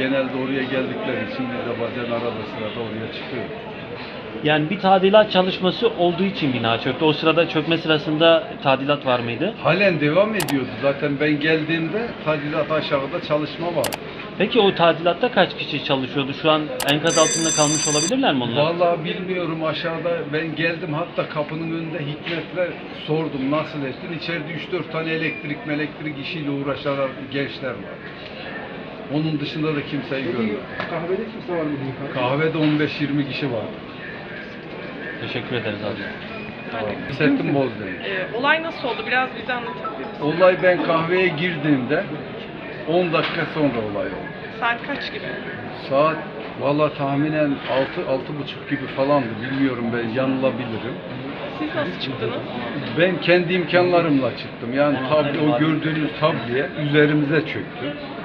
genelde oraya geldikleri için biz de bazen arada sırada oraya çıkıyoruz. Yani bir tadilat çalışması olduğu için bina çöktü. O sırada çökme sırasında tadilat var mıydı? Halen devam ediyordu. Zaten ben geldiğimde tadilat aşağıda çalışma vardı. Peki o tadilatta kaç kişi çalışıyordu? Şu an enkaz altında kalmış olabilirler mi onlar? Vallahi bilmiyorum, aşağıda ben geldim, hatta kapının önünde Hikmet'le sordum nasıl ettin. İçeride 3-4 tane elektrik işiyle uğraşan gençler var. Onun dışında da kimseyi görmedim. Kahvede kimse var mı? Kahvede 15-20 kişi var. Teşekkür ederiz abi. Hissettim Bozdemir. Olay nasıl oldu? Biraz bize anlatabilir misin? Olay, ben kahveye girdiğimde 10 dakika sonra olay oldu. Saat kaç gibi? Saat valla tahminen 6-6.30 gibi falandı. Bilmiyorum, ben yanılabilirim. Siz nasıl çıktınız? Ben kendi imkanlarımla çıktım. Yani o gördüğünüz tabliye üzerimize çöktü.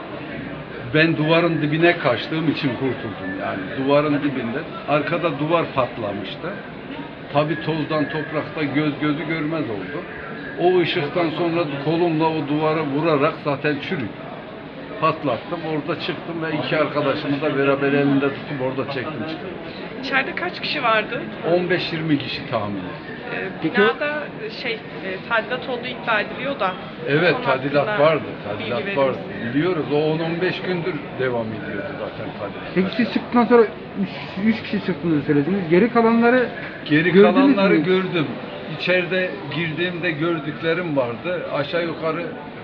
Ben duvarın dibine kaçtığım için kurtuldum. Yani duvarın dibinde. Arkada duvar patlamıştı. Tabii tozdan, toprakta gözü görmez oldu. O ışıktan sonra kolumla o duvara vurarak zaten çürük. Patlattım, orada çıktım ve iki arkadaşımı da beraber elinde tutup orada çektim çıktım. İçeride kaç kişi vardı? 15-20 kişi tahmini. Binada tadilat olduğu iddia ediliyor da. Evet, konu tadilat hakkında vardı, bilgi tadilat verir vardı. misiniz? Biliyoruz, o 10-15 gündür devam ediyordu zaten tadilat. Peki siz çıktıktan sonra 3 kişi çıktığınızı söylediniz. Geri kalanları Geri gördünüz kalanları mü? gördüm. İçeride girdiğimde gördüklerim vardı. Aşağı yukarı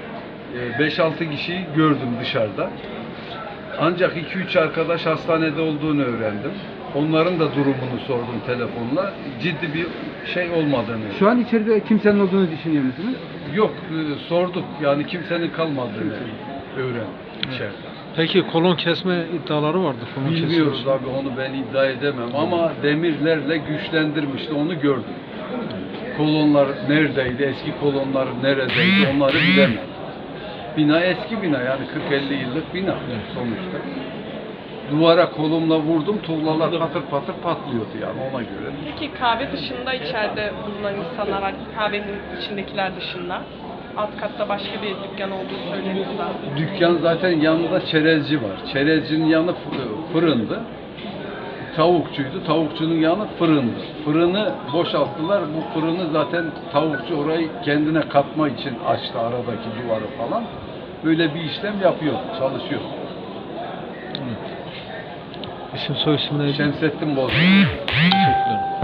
5-6 kişiyi gördüm dışarıda. Ancak 2-3 arkadaş hastanede olduğunu öğrendim. Onların da durumunu sordum telefonla. Ciddi bir şey olmadığını. Şu an içeride kimsenin olduğunu düşünüyor musunuz? Yok, sorduk. Yani kimsenin kalmadığını öğrendim içeride. Peki kolon kesme iddiaları vardı. Kolon Bilmiyoruz kesilmiş. abi, onu ben iddia edemem ama demirlerle güçlendirmişti, onu gördüm. Kolonlar neredeydi, eski kolonlar neredeydi onları bilemem. Bina eski bina, yani 40-50 yıllık bina sonuçta. Duvara kolumla vurdum, tuğlalar patır patır patlıyordu yani, ona göre. Peki kahve dışında içeride bulunan insanlar var. Kahvenin içindekiler dışında. Alt katta başka bir dükkan olduğu söyleniyor da. Dükkan zaten yanında çerezci var. Çerezcinin yanı fırındı. Tavukçuydu. Tavukçunun yanı fırındı. Fırını boşalttılar. Bu fırını zaten tavukçu orayı kendine katma için açtı, aradaki duvarı falan. Böyle bir işlem yapıyor, çalışıyor. İsim soy isim neydi? Şemsettin Bozkurt. Teşekkür ederim.